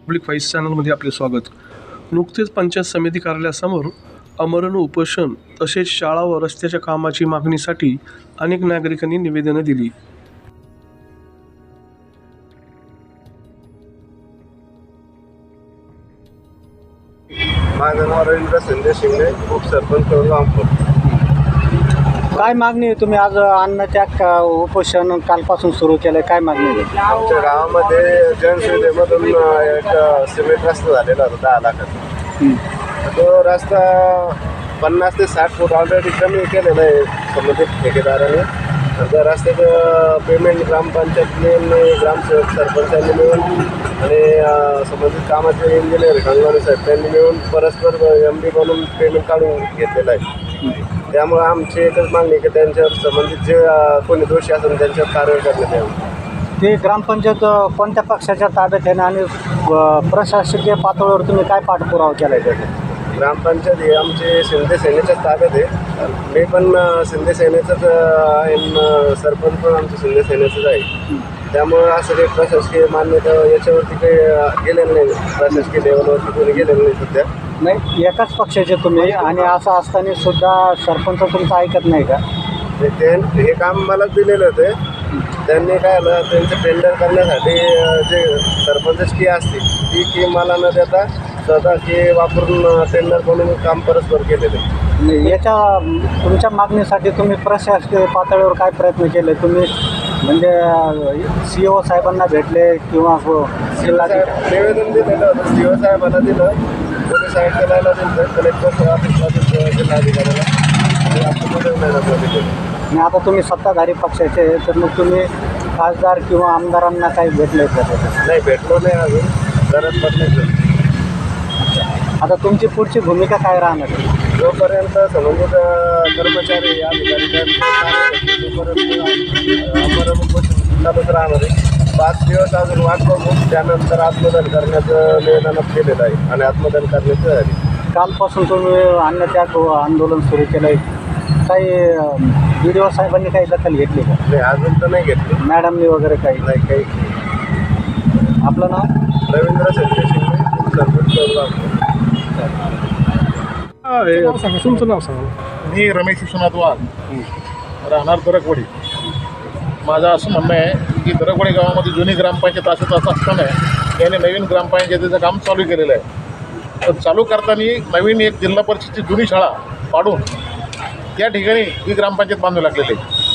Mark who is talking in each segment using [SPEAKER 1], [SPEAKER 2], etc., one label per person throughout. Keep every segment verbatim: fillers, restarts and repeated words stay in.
[SPEAKER 1] Public voice चॅनलमध्ये आपले स्वागत। नुकतेच पंचायत समिती कार्यालयासमोर आमरण उपोषण तसेच शाळा व रस्त्याच्या कामाची मागणीसाठी अनेक नागरिकांनी निवेदने दिली।
[SPEAKER 2] माझं नाव रवींद्र संजय शिंदे, उपसरपंच रामपूर।
[SPEAKER 3] काय मागणी आहे? तुम्ही आज अन्नत्याग उपोषण कालपासून सुरू केलं, काय मागणी आहे?
[SPEAKER 2] आमच्या गावामध्ये जनसुविधेमधून एक सिमेंट रस्ता झालेला होता दहा लाखाचा। तो रस्ता पन्नास ते साठ फूट ऑलरेडी कमी केलेला आहे संबंधित ठेकेदाराने। त्या रस्त्याचं पेमेंट ग्रामपंचायत मिळून, ग्रामसेवक सरपंचांनी मिळून आणि संबंधित कामाचे इंजिनियर गंगावणे साहेब त्यांनी मिळून परस्पर एम डी बनवून पेमेंट काढून घेतलेलं आहे। त्यामुळे आमची एकच मागणी की त्यांच्यावर संबंधित जे कोणी दोषी असेल त्यांच्यावर कारवाई करण्यात यावी।
[SPEAKER 3] ते ग्रामपंचायत कोणत्या पक्षाच्या ताब्यात आहे आणि प्रशासकीय पातळीवर तुम्ही काय पाठपुरावा केला आहे? त्याचा
[SPEAKER 2] ग्रामपंचायत ही आमची शिंदे सेनेच्याच ताब्यात आहे। मी पण शिंदे सेनेचंच आहे, सरपंच पण आमचं शिंदे सेनेचंच आहे। त्यामुळं असं काही प्रशासकीय मान्यता याच्यावरती काही गेलेलं नाही, प्रशासकीय लेवलवरती कोणी गेलेलं नाही सध्या।
[SPEAKER 3] नाही, एकाच पक्षाचे तुम्ही आणि असं असताना सुद्धा सरपंच तुमचं ऐकत नाही का?
[SPEAKER 2] ते हे काम मलाच दिलेलं होतं। त्यांनी काय आलं, त्यांचं टेंडर करण्यासाठी जे सरपंच की असते ती की मला न देता स्वतः की वापरून टेंडर बनवून काम परस्पर केलेलं।
[SPEAKER 3] याच्या तुमच्या मागणीसाठी तुम्ही प्रशासकीय पातळीवर काय प्रयत्न केले? तुम्ही म्हणजे सी ओ साहेबांना भेटले किंवा
[SPEAKER 2] जिल्हाधिकारी निवेदन दिलेलं होतं, सी ओ साहेबांना दिलं, पोलीस आयुक्तालयाला दिलं, कलेक्टर ऑफिसला दिलं, जिल्हाधिकाऱ्याला
[SPEAKER 3] आणि आता तुम्ही सत्ताधारी पक्षाचे, तर मग तुम्ही खासदार किंवा आमदारांना काही भेटले का?
[SPEAKER 2] नाही, भेटलो नाही अजून, गरज पडली।
[SPEAKER 3] आता तुमची पुढची भूमिका काय राहणार?
[SPEAKER 2] जोपर्यंत संबंधित कर्मचारी अधिकारी तोपर्यंत आमरण उपोषण चालूच राहणार आहे। पाच दिवस अजून वाट बघून त्यानंतर आत्मदान करण्याचं निवेदनात केलेलं आहे आणि आत्मदान करण्याचं आहे।
[SPEAKER 3] कालपासून तुम्ही अन्नत्याग आंदोलन सुरू केलं आहे, काही बी डी ओ साहेबांनी काही दखल घेतली का?
[SPEAKER 2] नाही, अजून तर नाही घेतली
[SPEAKER 3] मॅडमनी वगैरे काही
[SPEAKER 2] नाही काही।
[SPEAKER 3] आपलं नाव
[SPEAKER 2] रवींद्र संजय शिंदे, सरपंच।
[SPEAKER 1] तुमचं नाव सांगा।
[SPEAKER 4] मी रमेश विश्वनाथ वाघ, राहणार दरकवाडी। माझं असं म्हणणं आहे की दरकवाडी गावामध्ये जुनी ग्रामपंचायत असत असं असताना याने नवीन ग्रामपंचायतीचं काम चालू केलेलं आहे। तर चालू करताना नवीन एक जिल्हा परिषदची जुनी शाळा पाडून त्या ठिकाणी ही ग्रामपंचायत बांधू लागलेली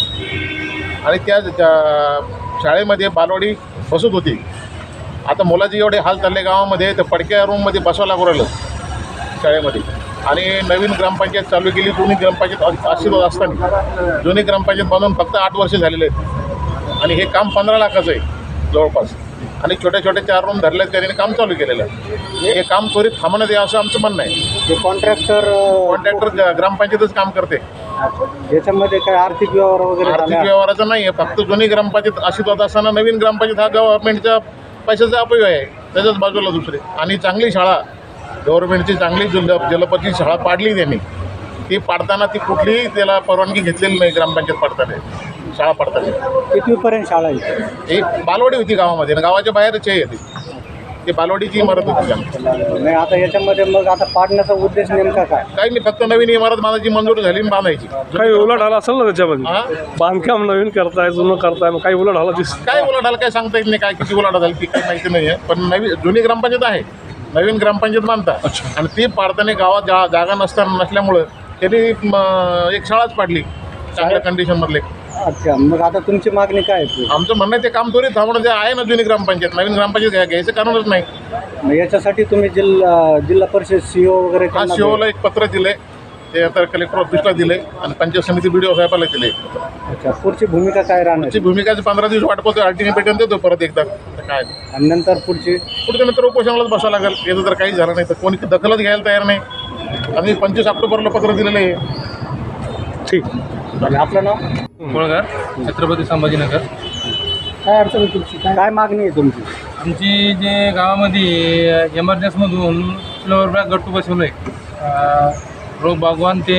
[SPEAKER 4] आहे आणि त्या शाळेमध्ये बालवाडी बसत होती। आता मुलाचे एवढे हाल चालले गावामध्ये, तर पडक्या रूममध्ये बसवावं लागू राहिलं शाळेमध्ये। आणि नवीन ग्रामपंचायत चालू केली, जुनी ग्रामपंचायत अस्तित्वात असताना जुनी ग्रामपंचायत बांधून फक्त आठ वर्ष झालेले आहेत आणि हे काम पंधरा लाखाचं आहे जवळपास, आणि छोटे छोटे चार रूम धरले त्यांनी काम चालू केलेलं आहे। हे काम त्वरित थांबण्यात यावं असं आमचं म्हणणं आहे।
[SPEAKER 3] ते कॉन्ट्रॅक्टर
[SPEAKER 4] कॉन्ट्रॅक्टर ग्रामपंचायतच काम करते,
[SPEAKER 3] याच्यामध्ये काय आर्थिक व्यवहार वगैरे
[SPEAKER 4] आर्थिक व्यवहाराचं नाही आहे। फक्त जुनी ग्रामपंचायत अस्तित्वात असताना नवीन ग्रामपंचायत हा गव्हर्नमेंटच्या पैशाचा अपव्यय आहे, त्याच्याच बाजूला दुसरे। आणि चांगली शाळा गव्हर्नमेंटची चांगली जिल्हा जलपती शाळा पाडली त्यांनी, ती पाडताना ती कुठलीही त्याला परवानगी घेतलेली नाही ग्रामपंचायत पाडताना, शाळा पाडताना।
[SPEAKER 3] कितवीपर्यंत शाळा आहे?
[SPEAKER 4] एक बालवाडी होती गावामध्ये, गावाच्या बाहेरच आहे ती, ती बालवाडीची इमारत होती।
[SPEAKER 3] नाही, आता याच्यामध्ये मग आता पाडण्याचा उद्देश नेमका काय?
[SPEAKER 4] काही नाही, फक्त नवीन इमारत बांधायची मंजूर झाली आणि बांधायची।
[SPEAKER 1] काही उलाढाल असेल ना त्याच्यामध्ये?
[SPEAKER 4] हां,
[SPEAKER 1] बांधकाम नवीन करताय, जुनं करताय, मग काही उलाढाल दिस
[SPEAKER 4] काय उलाढाल काय सांगता येत नाही, काय किती उलाढाल झाली ती काही माहिती नाही आहे। पण नवीन जुनी ग्रामपंचायत आहे, नवीन ग्रामपंचायत बांधता आणि ती पाडताना गावात जा जागा नसताना नसल्यामुळं त्यांनी एक शाळाच पाडली चांगल्या कंडिशनमधले।
[SPEAKER 3] अच्छा, मग आता तुमची मागणी काय आहे?
[SPEAKER 4] आमचं म्हणणं आहे ते काम त्वरित थांबवणं, ते आहे ना जुनी ग्रामपंचायत, नवीन ग्रामपंचायत घ्या घ्यायचं कारणच नाही।
[SPEAKER 3] मग याच्यासाठी तुम्ही जिल्हा जिल्हा परिषद सी ओ वगैरे
[SPEAKER 4] हा, सीओला एक पत्र दिले, ते आता कलेक्टर ऑफिसला दिले आणि पंचायत समिती बी डी ओ साहेबाला दिले।
[SPEAKER 3] अच्छा, पुढची भूमिका काय राहणार?
[SPEAKER 4] त्याची भूमिकाची पंधरा दिवस वाट पाहतो, अल्टिमेटम देतो परत एकदा काय,
[SPEAKER 3] आणि नंतर पुढची
[SPEAKER 4] पुढच्या नंतर उपोषणालाच बसावं लागेल। याचं जर काही झालं नाही तर कोणी दखलच घ्यायला तयार नाही। आम्ही पंचवीस ऑक्टोबरला पत्र दिलेलं आहे।
[SPEAKER 1] ठीक।
[SPEAKER 3] आणि आपलं नाव?
[SPEAKER 5] कोळगार, छत्रपती संभाजीनगर।
[SPEAKER 3] काय अडचण तुमची? काय मागणी आहे तुमची?
[SPEAKER 5] आमची जे गावामध्ये एमर्जन्सीमधून फ्लोअर बॅग गट्टू बसवलं आहे, रोग बागवान ते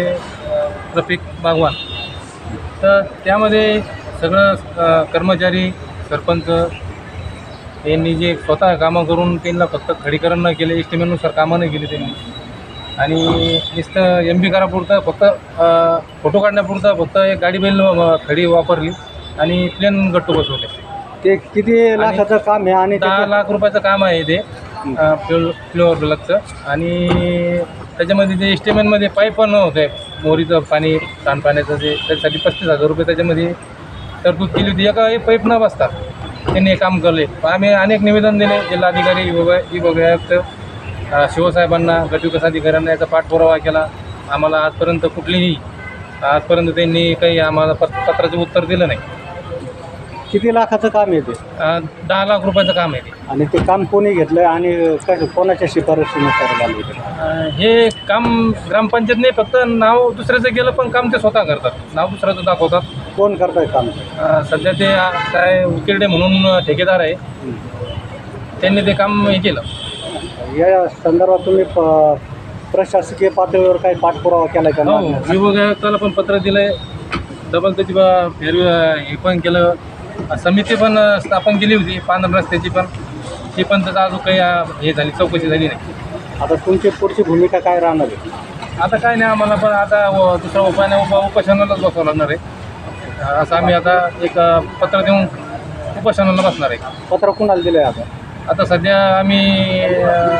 [SPEAKER 5] रफिक बागवान, तर त्यामध्ये सगळं कर्मचारी, सरपंच, त्यांनी जे स्वतः कामं करून त्यांना फक्त खडीकरण न केले, एस्टिमेटनुसार कामं नाही केली त्यांनी. आणि नुसतं एम बी करापुरतं फक्त अ, फोटो काढण्यापुरतं फक्त एक गाडी बैल अ, खडी वापरली आणि प्लेन गट्टू बसवले.
[SPEAKER 3] ते किती लाखाचं काम आहे आणि
[SPEAKER 5] दहा
[SPEAKER 3] त्याचे-
[SPEAKER 5] लाख रुपयाचं काम आहे ते फ्लो फ्लोअर ब्लॉकचं. आणि त्याच्यामध्ये ते एस्टिमेटमध्ये पाईप पण होते, मोरीचं पाणी सांडपाण्याचं, जे त्याच्यासाठी पस्तीस हजार रुपये त्याच्यामध्ये तरतूद केली होती. एका एक पाईप न बसता त्यांनी हे काम केले. आम्ही अनेक निवेदन दिले जिल्हाधिकारी विभाग विभाग आयुक्त अ, शिवसाहेबांना, गटविकास अधिकाऱ्यांना याचा पाठपुरावा केला. आम्हाला आजपर्यंत कुठलीही आजपर्यंत त्यांनी काही आम्हाला पत पत्राचं उत्तर दिलं नाही.
[SPEAKER 3] किती लाखाचं काम आहे ते
[SPEAKER 5] अ, दहा लाख रुपयाचं काम आहे ते.
[SPEAKER 3] आणि ते काम कोणी घेतलं आणि कसं कोणाच्या शिफारशीनुसार झालं ते?
[SPEAKER 5] अ, हे काम ग्रामपंचायतने फक्त नाव दुसऱ्याचं गेलं, पण काम ते स्वतः करतात, नाव दुसऱ्याचं दाखवतात.
[SPEAKER 3] कोण करताय काम?
[SPEAKER 5] अ, सध्या ते अ, काय उकिरडे म्हणून ठेकेदार आहे, त्यांनी ते काम हे केलं.
[SPEAKER 3] या संदर्भात तुम्ही प- प्रशासकीय पातळीवर काही पाठपुरावा केला का?
[SPEAKER 5] हो, विभाग आयुक्ताला पण पत्र दिलं आहे, डबल त्याची बा फेर हे पण केलं. समिती पण स्थापन केली होती पांढर रस्त्याची, पण ती पण त्याचं अजून काही अ, हे झाली चौकशी झाली नाही.
[SPEAKER 3] आता तुमची पुढची भूमिका काय राहणार आहे?
[SPEAKER 5] आता काय नाही, आम्हाला पण आता व- दुसरा उपाय नाही, उप उपोषणालाच बसावं लागणार आहे. अ, असं आम्ही आता एक अ, पत्र देऊन उपोषणाला बसणार आहे.
[SPEAKER 3] पत्र कुणाला दिलं आहे आता?
[SPEAKER 5] आता सध्या आम्ही अ,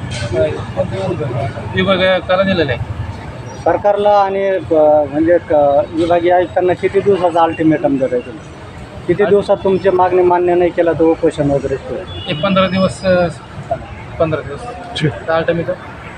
[SPEAKER 5] विभाग आयुक्ताला दिलेलं आहे.
[SPEAKER 3] सरकारला आणि ब- म्हणजे क- विभागीय आयुक्तांना किती दिवसाचा अल्टिमेटम दिलं आहे तुम्ही? किती दिवसात तुमची मागणी मान्य नाही केला तर उपोषण वगैरे सुरू आहे?
[SPEAKER 5] एक पंधरा दिवस अ, पंधरा दिवस अल्टिमेटम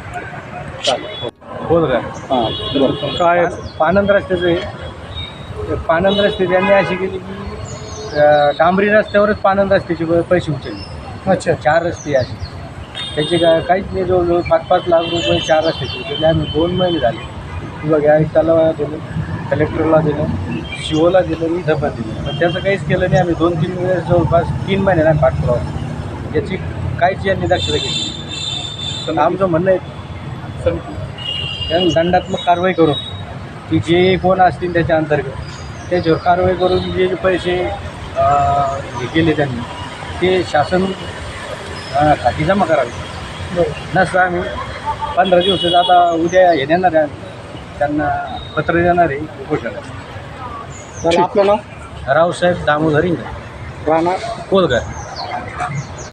[SPEAKER 3] बोल काय? हां बरं.
[SPEAKER 5] काय पानंद रस्त्याचं आहे. पानंद रस्ते त्यांनी अशी केली की अ, डांबरी रस्त्यावरच पानंद रस्त्याचे प- पैसे उचलले. अच्छा, चार रस्ते असे त्याचे काय काहीच नाही, जवळजवळ पाच पाच लाख रुपये चार रस्त्याचे उचलले. आम्ही दोन महिने झाले विभाग आयुक्ताला दिलं, कलेक्टरला दिलं, शिवोला दिलं, मी धपा दिलं, पण त्याचं काहीच केलं नाही. आम्ही दोन तीन वेळेस जवळपास तीन महिने नाही पाठपुरावा, याची काहीच यांनी दक्षता घेतली. पण आमचं म्हणणं आहे त्यांनी दंडात्मक कारवाई करून की जे कोण असतील त्याच्या अंतर्गत त्याच्यावर कारवाई करून जे जे पैसे अं, हे केले त्यांनी ते शासन अं, खाती जमा करावे. नसतं आम्ही पंधरा दिवसात आता उद्या हे देणार आहे, त्यांना पत्र देणार आहे उपोषणाला.
[SPEAKER 3] तर आपलं नाव?
[SPEAKER 5] रावसाहेब दामोदर इंगळे,
[SPEAKER 3] राहणार
[SPEAKER 5] कोलगर.